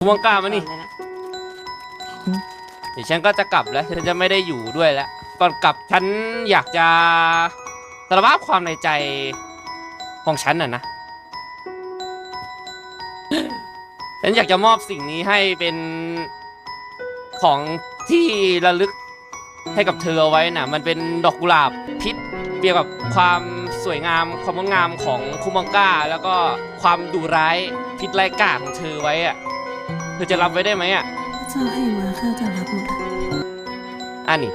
มังกามานี่เดี๋ยวฉันก็จะกลับแล้วฉันจะไม่ได้อยู่ด้วยแล้วก่อนกลับฉันอยากจะสารภาพความในใจของฉันน่ะนะฉันอยากจะมอบสิ่งนี้ให้เป็นของที่ระลึกให้กับเธอเอาไว้น่ะมันเป็นดอกกุหลาบพิษเปรียบกับความสวยงามความงดงามของคุมังกาแล้วก็ความดุร้ายพิษไร้กาจของเธอไว้อะเธอจะรับไว้ได้ไหมอ่ะเจ้าให้มาข้าจะรับหมดอันนี้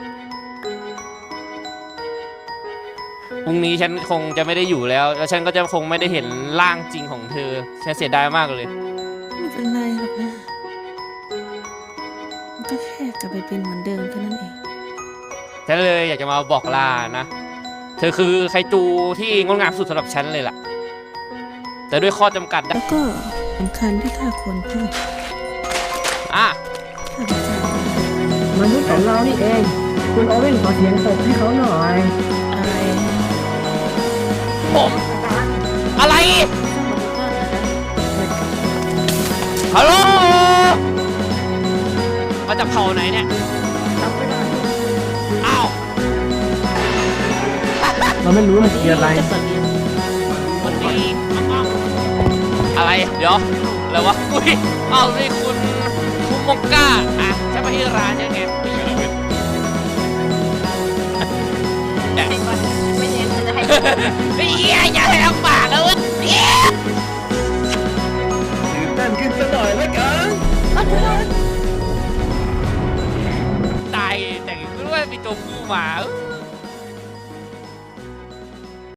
พรุ่งนี้ฉันคงจะไม่ได้อยู่แล้วฉันก็จะคงไม่ได้เห็นร่างจริงของเธอฉันเสียดายมากเลยไม่เป็นไรหรอกนะมันก็แค่กลับไปเป็นเหมือนเดิมแค่นั้นเองฉันเลยอยากจะมาบอกลานะเธอคือไคจูที่งดงามสุดสำหรับฉันเลยล่ะแต่ด้วยข้อจำกัดแล้วก็สำคัญที่ข้าควรพูดอ่ะข้าพเจ้มนุษย์ของเรานี่เองคุณโอเว่นขอเสียงตบให้เขาหน่อยอะไรผมอะไรฮัลโหลมาจากเผ่าไหนเนี่ยอ้าวเราไม่รู้มันคืออะไรมันมีอะไรเดี๋ยวอะไรวะอุ้ยอ้าวนี่คุณมงก้าอ่ะใช่มาที่ร้านยังไงไม่เน้นจะให้เฮียอย่าให้ลำบากเลยเฮียตื่นเต้นขึ้นสักหน่อยแล้วกันตายแต่งด้วยมีตัวผู้มา